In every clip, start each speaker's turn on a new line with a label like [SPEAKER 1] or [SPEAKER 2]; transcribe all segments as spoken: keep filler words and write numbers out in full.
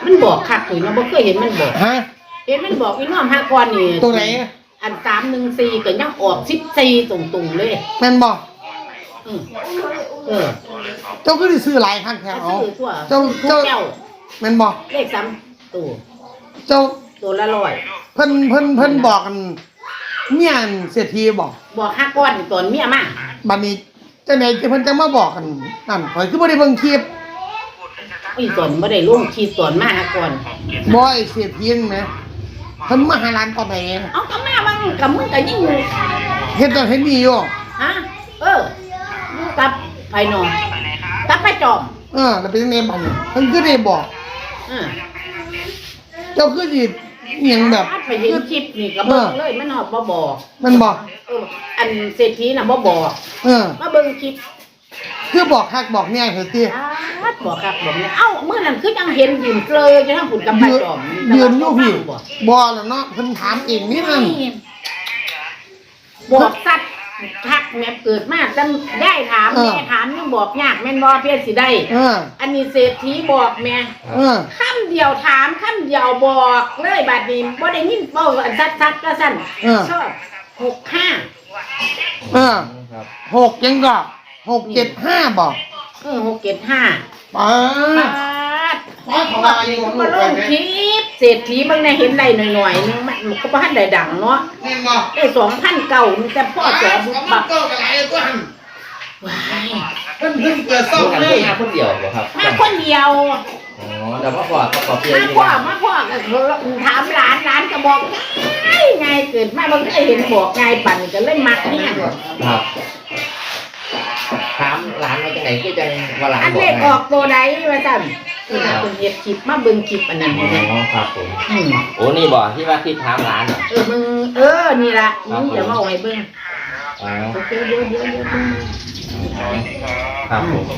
[SPEAKER 1] มันบอกคักปุ๋ยเนาะบ่เคยเห็นมันบอก
[SPEAKER 2] ฮะ
[SPEAKER 1] เห็นมันบอกอีน้อมห้าก้อนนี่
[SPEAKER 2] ตัวไหน
[SPEAKER 1] อันสามหนึ่งสี่ก็ยังออกสิบสี่ตรงๆเลย
[SPEAKER 2] แม่นบอก
[SPEAKER 1] เออ
[SPEAKER 2] เจ้าก็ได้ซื้อหลายครั้งแถว
[SPEAKER 1] เจ้าเจ้า
[SPEAKER 2] แม่นบอก
[SPEAKER 1] เลขสามตัว
[SPEAKER 2] เจ้า
[SPEAKER 1] ตัวละร้อย
[SPEAKER 2] เพิ่นเพิ่นเพิ่นบอกกันเมียนเศรษฐีบอก
[SPEAKER 1] บอกห้าก้อนตอนเมียมา
[SPEAKER 2] บัดนี้เจ้าไหนเพิ่นจะมาบอกกันนั่นข่อยคือบ่ได้เบิ่งคลิป
[SPEAKER 1] อีตอนบ่ได้ลงคลิปตอนมาห้าก้อน
[SPEAKER 2] บ่ไอ้เศรษฐีนั่นแหมเพิ่นมาหาร้านตอนไหน
[SPEAKER 1] เอ้าก็มาบางกับมึงก็ยิ่ง
[SPEAKER 2] เฮ็ดจังเฮ็ดนี่อยู่
[SPEAKER 1] ฮะเอออยู่กับไผนอนกับไปจอม
[SPEAKER 2] เออแล้วเป็นจังได๋บัดนี้เพิ่นคือได้บอก
[SPEAKER 1] เออ
[SPEAKER 2] เจ้าคือสิเอียงแบบ
[SPEAKER 1] ไปเห็นคลิปนี่ก็เบิ่งเลยมันฮอดบ่บอก
[SPEAKER 2] มันบอก
[SPEAKER 1] เอออันเศรษฐีน่ะบ่บอก
[SPEAKER 2] เออ
[SPEAKER 1] มาเบิ่งคลิป
[SPEAKER 2] คือบอกคักบอกแน่เหรอติ
[SPEAKER 1] บอกคักบอกแน่เอ้ามื้อนั้นคือจังเห็นยืนเกลยอยู่ทางพุ่นกับไปจอม
[SPEAKER 2] ยืนอยู่พี่บ่แล้วเนาะเพิ่นถามเองนี่นั่น
[SPEAKER 1] บอกสัตว์ทักแม่เกิดมาจังได้ถามแม่ถามยังบอกยากแม่นบ่เพิ่นสิได้อันนี้เศรษฐีบอกแม่คำเดียวถามคำเดียวบอกเลยบัดนี้บ่ได้ยินเว้าซัดๆก็ซั่นชอบหกห้า
[SPEAKER 2] เออหกจังก็หกเจ็ดห้าบอก
[SPEAKER 1] เออหกเจ็ดห้า
[SPEAKER 2] ป๊าด
[SPEAKER 1] ป๊าดป๊าดมาลงคลิปเศรษฐีบางในเห็นได้หน่อยๆนึงมันก็บ่ทันได้ดังเนาะได้สองพันเก้าแต่พ่อจอบุกบักว้าย
[SPEAKER 2] เพิ่นเพิ่งเปิดซ่อมเลย
[SPEAKER 3] มาคนเดียวบ่ครับ
[SPEAKER 1] มาคนเดียว
[SPEAKER 3] อ๋อแต่ว่าพ่อก็ขอเพียง
[SPEAKER 1] มาพ่อมาพ่อก็ถามหลานหลานก็บอกไงไงเกิดมาบ่เคยเห็นบอกไงปั่นก็เลยมักเนี่ย
[SPEAKER 3] ครับถามหลานมาจากไหนคือจังว่าหลาน
[SPEAKER 1] บอกอันเล็กออกตัวใดว่าซั่นคือเป็นเฮ็ดคลิปมาเบิ่งคลิปอันนั้นอ๋
[SPEAKER 3] อครับผมโอ้นี่บ่ที่ว่าคลิปถามหลาน
[SPEAKER 1] เออมึงเออนี่ล่ะมึงอย่ามาเอาให้เบิ่ง
[SPEAKER 3] อ๋อ
[SPEAKER 1] โอเคเดี๋ยวๆๆ
[SPEAKER 3] ครับผม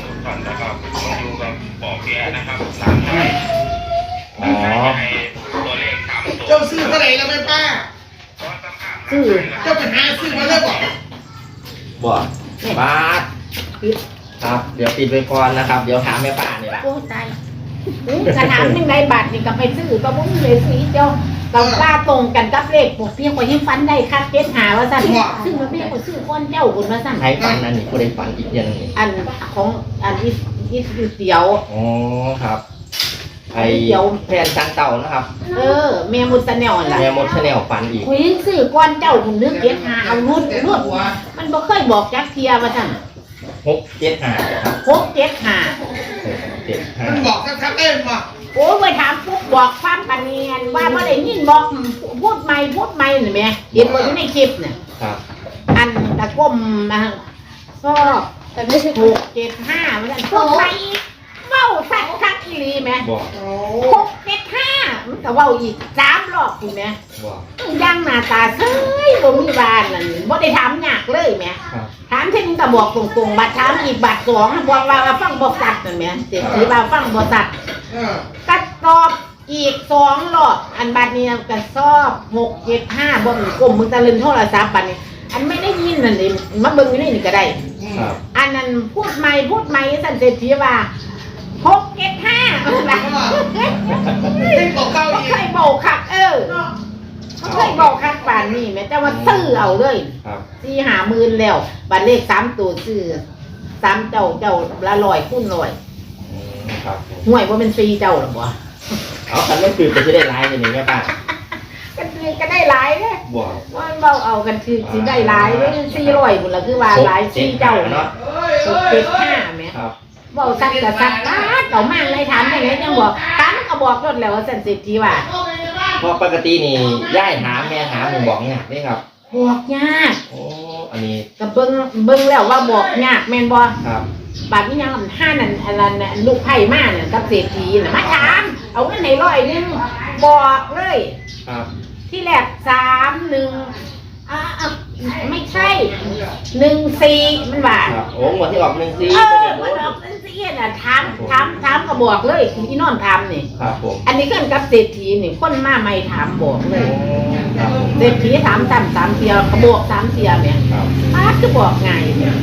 [SPEAKER 3] อ๋อ
[SPEAKER 2] เจ้าซื้อเท่าไหร่แล้วแม่ป้า
[SPEAKER 1] ซื้อ
[SPEAKER 2] เจ้าไปหาซื้อมาแล้วบ่
[SPEAKER 3] บ่บาทครับเดี๋ยวปิดไปก่อนนะครับเดี๋ยวถามแม่ป้านี่ล่ะ
[SPEAKER 1] โอ้ตายกระถามยังไงบาทนี่ก็ไปซื้อก็บ่มีเลยซื้อเจ้าเรากล้าตรงกันกับเลขพวกเพียงกว่ายังฟันได้คักเจ็ดหาว่าซั่นซึ่งมันไม่ก็ซื้อก้อนเจ้าบุญว่าซั่น
[SPEAKER 3] ใครฟันนั่นนี่บ่ได้ฟันอีกอย่างนึง
[SPEAKER 1] อันของอันอีอีเตี๋ยว
[SPEAKER 3] อ๋อครับไอ้เดี๋ยวแพนจังเต่านะครับ
[SPEAKER 1] เออแม่มุดชาแนลล่ะ
[SPEAKER 3] แม่มุดชาแนลฟันอีก
[SPEAKER 1] คุยซื้อก้อนเจ้าผมนึกเจ็ดหาเอารุดรุดมันบ่เคยบอกจักเทียว่าซั่น
[SPEAKER 3] หกเจ็ดห้าครับ
[SPEAKER 1] หกเจ็ดห้า
[SPEAKER 3] เจ็ดห้า
[SPEAKER 2] มันบอกชัดๆเองบ่
[SPEAKER 1] โอ้ไปถามปุ๊บบอกความปานเนียนว่าบ่ได้ยินบอกพูดใหม่พูดใหม่นี่แม่เห็นบ่อยู่ในคลิปน่ะ
[SPEAKER 3] ครับ
[SPEAKER 1] อันตะก้มนะก็แต่ไม่ใช่หกเจ็ดห้าว่าซั่นพูดไปเว้าสักคักอีหลีแม่หกเจ็ดห้ามันก็เว้าอีกสามรอบพุ่นแม่ย่างหน้าตาเซ้ยบ่มีบานนั่นบ่ได้ถามยากเลยแม่ถามเท่นึงก็บอกตรงๆบัดถามอีกบัดสองบอกว่าฟังบ่สัตว์นั่นแม่เสิสิว่าฟังบ่สัตว์ก็ตอบอีกสองรอบอันบัดนี้ก็สอบหก เจ็ด ห้าบ่มีก้มมึงตะลึงโทรศัพท์บัดนี้อันไม่ได้ยินนั่นนี่มาเบิ่งอยู่นี่ก็ได้อันนั้นพูดใหม่พูดใหม่ซั่นเศรษฐีว่าหก เจ็ด ห้าล่ะ
[SPEAKER 2] เป็นบอกเก่าอีก
[SPEAKER 1] เคยบอกคักเออเขาเคยบอกคักป่านนี้แม่แต่ว่าซื้อเอาเลยสี่ห้าหมื่นแล้วบัตรเลขสามตัวซื้อสามเจ้าเจ้าละร้อยคูณร้อยห่วยว่าเป็นสี่เจ้าหรอบ่
[SPEAKER 3] เอาคันไม่คือจะได้หลายอย่างนี้แม่ป้า
[SPEAKER 1] กันคือก็ได้หลายเด้บ่ว่าเบาเอากันคือสิได้หลายเด้สี่ร้อยพุ่นล่ะคือว่าหลายสี่เจ้าเนาะเจ็ดห้าแม่เบาซักก็ซักตาเก่ามากเลยถามจังได๋จังบอกถามก็บอกรถแล้วว่าซั่นเศรษฐีว่า
[SPEAKER 3] เพราะปกตินี่ย่ายถามแม่ถามมึงบอกเนี่ยนี่ครับ
[SPEAKER 1] บอกยาก
[SPEAKER 3] โอ้อันนี้
[SPEAKER 1] ก็เบิ่งเบิ่งแล้วว่าบอกยากแม่นบ่
[SPEAKER 3] ครับ
[SPEAKER 1] บัดนี้ยังห้านั่นอันนั้นลูกไผ่มาเนี่ยกับเศรษฐีน่ะมาถามเอาเงินให้ร้อยนึงบอกเลย
[SPEAKER 3] ครับ
[SPEAKER 1] ที่แรกสามหนึ่งอ่าไม่ใช่หนึ่งสี่มันว่า
[SPEAKER 3] โอ้หมดที่ออกหนึ่งสี่
[SPEAKER 1] เออมันออกหนึ่งสี่น่ะถามถามถามก็บอกเลยที่นอนถามนี่
[SPEAKER 3] ครับผม
[SPEAKER 1] อันนี้เกินกับเศรษฐีนี่คนมาใหม่ถามบอกเลยเศรษฐีถามซ้ำสามเทียก็บอกสามเทียแม่ป้าคือบอกไง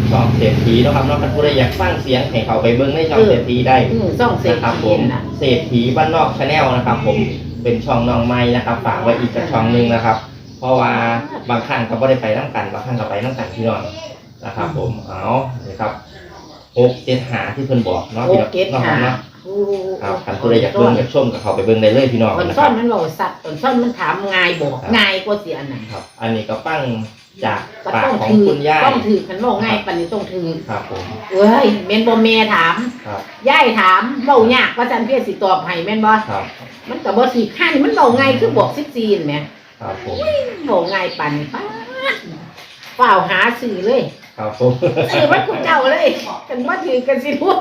[SPEAKER 3] ช่องเศรษฐีนะครับเนาะท่านผู้ใดอยากฟังเสียงให้เขาไปเบิ้งในช่องเศรษฐีได้
[SPEAKER 1] อืมช่องเศรษ
[SPEAKER 3] นะครับ
[SPEAKER 1] ฐี
[SPEAKER 3] ผม
[SPEAKER 1] น่ะ
[SPEAKER 3] เศรษฐีบ้านนอกชาแนลนะครับ ผมเป็นช่องน้องไม้นะครับฝากไว้อีกกับช่องหนึงนะครับ เพราะว่าบางครั้งก็ไม่ได้ไปน้ำกันบางครั้งก็ไปน้ำกันพี่น้องนะครับ ผมเอาเลยครับหกเจ็ดหาที่เพิ่นบอกเนาะ
[SPEAKER 1] โอ
[SPEAKER 3] พี่น้อง
[SPEAKER 1] เก็ต
[SPEAKER 3] เนาะ
[SPEAKER 1] หา
[SPEAKER 3] เนาะ
[SPEAKER 1] โอ้
[SPEAKER 3] ครับท่านผู้ใดอยากเบิ่งอยากชมกับเขาไปเบิ่งได้เลยพี่น้อง
[SPEAKER 1] ตอน
[SPEAKER 3] นะค
[SPEAKER 1] ซ่อ
[SPEAKER 3] รั
[SPEAKER 1] น
[SPEAKER 3] บ
[SPEAKER 1] มันบอกสัตว์ตอนซ่อนมันถามง่ายบอกง่ายกว่าเสียอันไหน
[SPEAKER 3] ครับ อันนี้ก็ปั้งจาก
[SPEAKER 1] ก็
[SPEAKER 3] ปาก
[SPEAKER 1] ต้อง
[SPEAKER 3] ของ
[SPEAKER 1] ถือ
[SPEAKER 3] คุณย่า
[SPEAKER 1] ต้องถือมันบอกง่ายปันนี้ต้องถือ
[SPEAKER 3] ครับผม
[SPEAKER 1] เอ้ยเมนบอเมถาม
[SPEAKER 3] ครับ
[SPEAKER 1] ย่ายถามเบายากว่าจันเพียสิตอบให้แม่นบ่
[SPEAKER 3] ครับ
[SPEAKER 1] มันก็บ่สิข้านี่มันเบาง่ายคือบอกสิบจีนแหม
[SPEAKER 3] ครับผม
[SPEAKER 1] เบาง่ายปันป๊าดเปล่าหาสื่อเลย
[SPEAKER 3] ครับผม
[SPEAKER 1] สื่อมันกูเจ้าเลยกันว่าถือกันสิพูด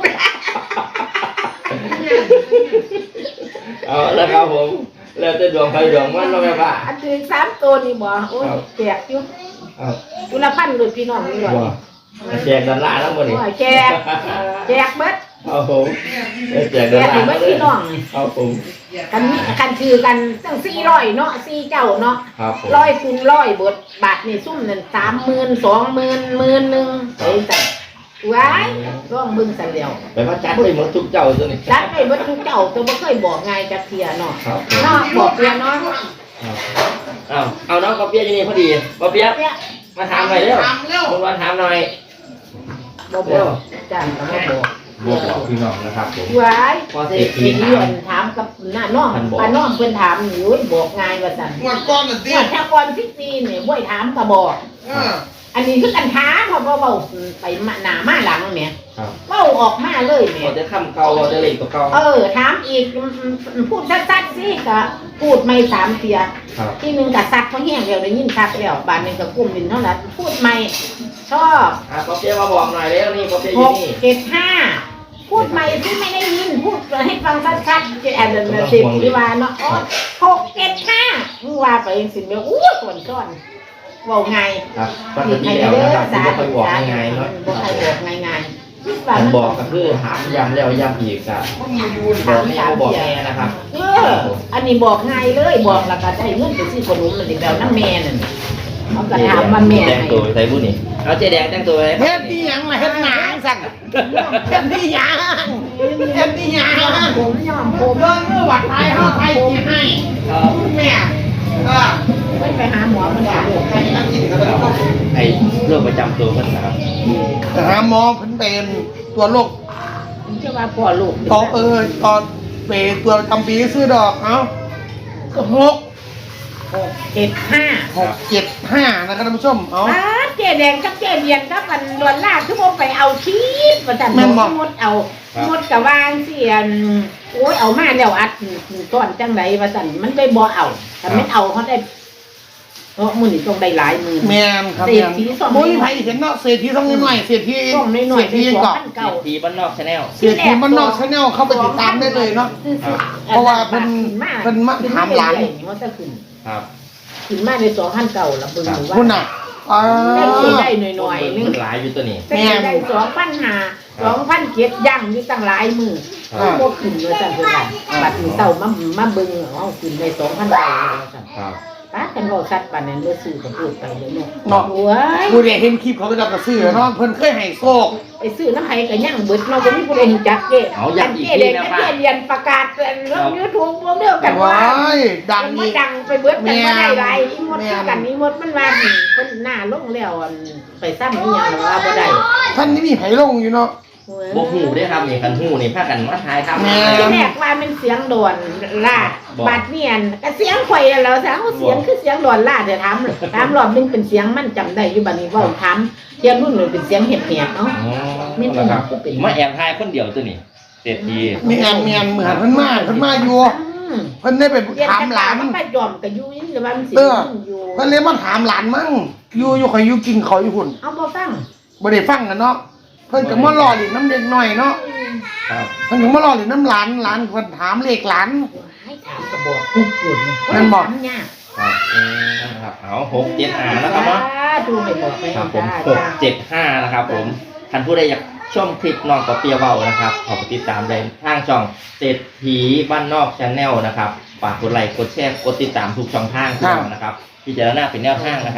[SPEAKER 3] เอาแล้วครับผมแล้วจะดวงใครดวงมันเราะแม่ป้า
[SPEAKER 1] อันถือสามตัวนี่บ่โอ้ยแจกอยู่
[SPEAKER 3] เอา
[SPEAKER 1] กุละพันเลยพี่น้องนี่หน่อย
[SPEAKER 3] ว่าแจกดอลลาร์แล้วหมดนี่
[SPEAKER 1] โอ้ยแจกแจกเบิด
[SPEAKER 3] เอาผมแจก
[SPEAKER 1] แจ
[SPEAKER 3] ดอล
[SPEAKER 1] ก
[SPEAKER 3] ลา
[SPEAKER 1] ให้
[SPEAKER 3] ร์
[SPEAKER 1] เบิดพี่น้อง
[SPEAKER 3] เอาผม
[SPEAKER 1] กันมีกันถือกันตั้งสี่ร้อยเนาะสี่เจ้าเนาะ
[SPEAKER 3] ครับผม
[SPEAKER 1] ร้อยคูณร้อยเบิดบาทนี่ซุ่มนั่นสามหมื่นสองหมื่นหมื่นหนึ่งไอ้แต่ว้ายร้องเบิ่งสั่นแล้ว
[SPEAKER 3] ไปว่าจัดไปหมดทุกเจ้าตัวนี้
[SPEAKER 1] จัดไปเบิดทุกเจ้าตัวบ่เคยบอกไงจักเทียเนาะ
[SPEAKER 3] ครับ
[SPEAKER 1] เนาะบอกเทียเนาะ
[SPEAKER 3] เอาเอาน้องกอเปียอยู่นี่พอดีกอเปีย
[SPEAKER 1] เนี่ย
[SPEAKER 3] มาถามหน่อยเร็วคุณวันถามหน่อย
[SPEAKER 1] บ่บอกจ้างก็บ่บอก
[SPEAKER 3] บอกบอกพี่น้องนะครับผม
[SPEAKER 1] ว้าย
[SPEAKER 3] พอ
[SPEAKER 1] เศ
[SPEAKER 3] เศ
[SPEAKER 1] ร
[SPEAKER 3] ร
[SPEAKER 1] ษ
[SPEAKER 3] ษ
[SPEAKER 1] ฐี
[SPEAKER 3] ฐี
[SPEAKER 1] เดือนถามกับหน้าน้องป้าน้องเพิ่นถามอยู่บอกง่ายว่าซั่น
[SPEAKER 2] งวดก้อนน่ะสิ
[SPEAKER 1] ว่าถ้าก่อนสิบปีนี่บ่ให้ถามก็บอก
[SPEAKER 2] เออ
[SPEAKER 1] อันนี้คือกันท้าเพราะว่าเว้าไปมาหน้ามาหลังแหม
[SPEAKER 3] ครับ
[SPEAKER 1] เว้าออกมาเลยแหม
[SPEAKER 3] เราจะคำเก่าเราจะเล็กตัวเก่า
[SPEAKER 1] เออถามอีกอืมอืมพูดชัดๆสิก็พูดไม่สามเทีย
[SPEAKER 3] ครับ
[SPEAKER 1] ที่หนึงก็ซักเพราะแห้งแล้วได้ยินซักแล้วบาดหนึงก็กุ้มดินเท่านั้นพูดไม่ชอบ
[SPEAKER 3] อ่ะกอเปียมาบอกหน่อยเร็วนี่กอเปียอ
[SPEAKER 1] ห
[SPEAKER 3] ยู่
[SPEAKER 1] ก
[SPEAKER 3] นี่
[SPEAKER 1] เจ็ดห้าพูดใหม่ที่ไม่ได้ยินพูดให้ฟังชัดๆจะแอบเดินสิบที่ว่าเนาะอ๋อหกเจ็ดห้ามึงว่าไปเองสิเมียอู้ส่วนก้อนเว่าไง
[SPEAKER 3] ครับปกติแล้วนะครับที่ไม่ค่อยบอกง่ายๆเนาะ
[SPEAKER 1] บอกใครบอกง่ายๆ
[SPEAKER 3] การบอกก็คือถามย้ำแล้วย้ำอีกอะบอกแม่ก็บอกแม่นะครับ
[SPEAKER 1] เอออันนี้บอกง่ายเลยบอกแล้วก็ได้เงินไปซื้อขนมมันเด็กแล้วน้ำแม่นั่นเขาก็ถามว่าแม่
[SPEAKER 3] แต่งตัวใส่บุ้นี่เอาเจ๊แดงแต่งตัวไว้
[SPEAKER 2] เฮ็ดที่ยังล่ะเฮ็ดหนังสั่นเฮ็ดที่ยังเฮ็ดที่ยัง
[SPEAKER 1] ผมยอมผม
[SPEAKER 2] เบิ่งเมื่อวัดไทยเฮาไทยสิให้
[SPEAKER 3] เอ่อ
[SPEAKER 2] แม่เออ
[SPEAKER 1] ไม่ไปหาหมอมันบอก
[SPEAKER 2] ให้นักกินกันแล้ว
[SPEAKER 3] ไอ้โรคประจำตัวมันนะครับ
[SPEAKER 2] หาหมอเพิ่นเป็นตัวโรค
[SPEAKER 1] ผมจะว่าพ่อลูก
[SPEAKER 2] ตอเออตอนเปตัวจำปีซื้อดอกเอ้าก็หก
[SPEAKER 1] หกเจ็ดห้า
[SPEAKER 2] หกเจ็ดห้านะครับท่านผู้ชมเอ้า
[SPEAKER 1] อ้าเจ๊แดงกับเจ๊เบียนกับมันดวนล่าคือผมไปเอาชีสมาจัน
[SPEAKER 2] แม่นบ่
[SPEAKER 1] มดเอามดกับวางเสียนโอ้ยเอามาแล้วอัดก้อนจังไรมาจันมันได้บ่เอาแต่ไม่เอาเขาได้เพราะมือนี่ต้องได้หลายมือ
[SPEAKER 2] แม่นครับ
[SPEAKER 1] เศร
[SPEAKER 2] แม่
[SPEAKER 1] ษ
[SPEAKER 2] น
[SPEAKER 1] ฐีสอง
[SPEAKER 2] โอ้ยไผเห็นเนาะเศรษฐีต้องน้อยๆเศรษฐี
[SPEAKER 1] ต้องน้อยๆ
[SPEAKER 2] เศรษฐี
[SPEAKER 1] ได้สอง
[SPEAKER 2] เกาะ
[SPEAKER 1] พัน
[SPEAKER 3] เศร
[SPEAKER 1] เก่า
[SPEAKER 3] ษฐีบ้านนอกชาแนล
[SPEAKER 2] เศรษฐีบ้านนอกชาแนลเข้าไปติดตามได้เลยเนาะ เพราะว่าเพิ่นเพิ่นมาถามหลาน
[SPEAKER 1] มันจะขึ้น
[SPEAKER 3] ครับ
[SPEAKER 1] ขึ้นมาในสองพันเก่าละเบิ่งหรือว่า
[SPEAKER 2] คุณน่ะอ่า
[SPEAKER 1] ได้สิได้หน่อยๆนึง
[SPEAKER 3] มันหลายอยู่ตัวนี้
[SPEAKER 1] แต่ได้สองพันห้าสองพันเจ็ดย่างอยู่ตั้งหลายมือ
[SPEAKER 3] ครับ
[SPEAKER 1] พวกขึ้นเลยจังเพิ่นว่าบัดนี้เต่ามามาเบิ่งเอาขึ้นในสองพันเก่าเลยจัง
[SPEAKER 3] ครับ
[SPEAKER 1] ป้ากันบอกชัดปานนั้นบ่ซื้อก็พูดไปเลยเนาะ
[SPEAKER 2] เนาะ
[SPEAKER 1] โอ้ย
[SPEAKER 2] ผู้ใดเห็นคลิปเขาก็จะกระซื้อเนาะเพิ่นเคยให้โชค
[SPEAKER 1] ไปซื้อน้ำไผก็ย่างเบิดเนาะบ่มีผู้ใดเห็นจักเด้
[SPEAKER 3] เอาย้ำอีก
[SPEAKER 1] เจ๊
[SPEAKER 3] ที
[SPEAKER 1] เด็ก
[SPEAKER 3] นะ
[SPEAKER 1] กับ
[SPEAKER 3] ป้า
[SPEAKER 1] เจ๊เรียนประกาศเรื่อง YouTube พวกเดียวกัน
[SPEAKER 2] ว้า
[SPEAKER 1] ว่า
[SPEAKER 2] ยดัง
[SPEAKER 1] มัน
[SPEAKER 2] อีก
[SPEAKER 1] ดังไปเบิดกันมาได้หลาย
[SPEAKER 2] แม่
[SPEAKER 1] อีมดคือกันอีมดมันว่าเพิ่นหน้าลงแล้วอันไปซ้ำอีหยังว่าบ่ได้
[SPEAKER 2] ท่านนี่มีไผลงอยู่เนาะ
[SPEAKER 3] บกหูได้ครับนี่กันหูนี่พากันมาทายครับ
[SPEAKER 2] แม่
[SPEAKER 1] ทีแรกว่ามันเสียงโดนลาด
[SPEAKER 3] บอก
[SPEAKER 1] บาดเนียนก็เสียงข่อยแล้วซะเอาเสียงคือเสียงโดนลาดเดี๋ยวถามถามรอบนึงเป็นเสียงมันจำได้อยู่บัดนี้เว้าถามเสียงรุ่นเลยเป็นเสียงเห็บๆเนาะ
[SPEAKER 3] อ๋อ
[SPEAKER 1] ไม่เป็น
[SPEAKER 3] นะครับ
[SPEAKER 1] ก็เป็น
[SPEAKER 3] มาแอบทายคนเดียวตัวนี้เศรษฐี
[SPEAKER 2] มีแอนเมียนเหมือนเพิ่นมาเพิ่นมาอยู่
[SPEAKER 1] อืม
[SPEAKER 2] เพิ่นได้ไป
[SPEAKER 1] เรียน
[SPEAKER 2] ถามหลาน
[SPEAKER 1] มันไปยอมก็อยู่นี่หรือว่ามันสิ
[SPEAKER 2] เออ
[SPEAKER 1] อยู่
[SPEAKER 2] เพิ่นเลยมาถามหลานมั่งอยู่อยู่ข่อยอยู่กินเขาอยู่หุ่น
[SPEAKER 1] เอาบ่ฟัง
[SPEAKER 2] บ่ได้ฟังกันเนาะเพิ่นก็มาล่อหลินน้ำเด็กหน่อยเนาะ
[SPEAKER 3] ครับ
[SPEAKER 2] เพิ่นก็มาล่อหลินน้ำหลานหลานเพิ่นถามเลขหลาน
[SPEAKER 1] ให้ถามก็บอกปุ๊บปุ่น
[SPEAKER 2] นั่นบอก
[SPEAKER 1] ถามยาก
[SPEAKER 3] ครับอืมนะครับเอาหกเจ็ดห้านะครับเนาะ
[SPEAKER 1] ดูให้บอกไป
[SPEAKER 3] ครับผม
[SPEAKER 1] จ้า
[SPEAKER 3] หกเจ็ดห้านะครับผมท่านผู้ใดอยากชมคลิปน้องกอเปียเบานะครับขอไปติดตามได้ทางช่องเศรษฐีบ้านนอกชาแนลนะครับฝากกดไลค์กดแชร์กดติดตามทุกช่องทางของเรานะครับพิจารณาเป็นแนวทางนะครับ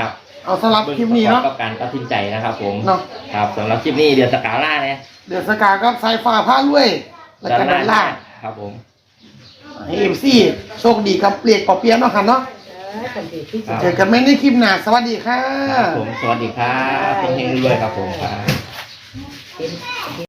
[SPEAKER 2] เอาสำหรับคลิปนี้เนาะ
[SPEAKER 3] กับการตัดสินใจนะครับผม
[SPEAKER 2] เนาะ
[SPEAKER 3] ครับสำหรับคลิปนี้เดือนสกาล่าเนี่ย
[SPEAKER 2] เดือดสกากับสายฟ้าผ้าด้วยแล้วก็ด้านล่าง
[SPEAKER 3] ครับผม
[SPEAKER 2] ให้เอ็มซีโชคดีกับเปลียกปอเปียะเนาะค่ะเนาะ
[SPEAKER 1] เออสันติที่สุด
[SPEAKER 2] เจอกันไม่ในคลิปหน้าสวัสดีค่ะ
[SPEAKER 3] ครับผมสวัสดีครับเฮงๆรวยๆครับผมครับ
[SPEAKER 1] เป็น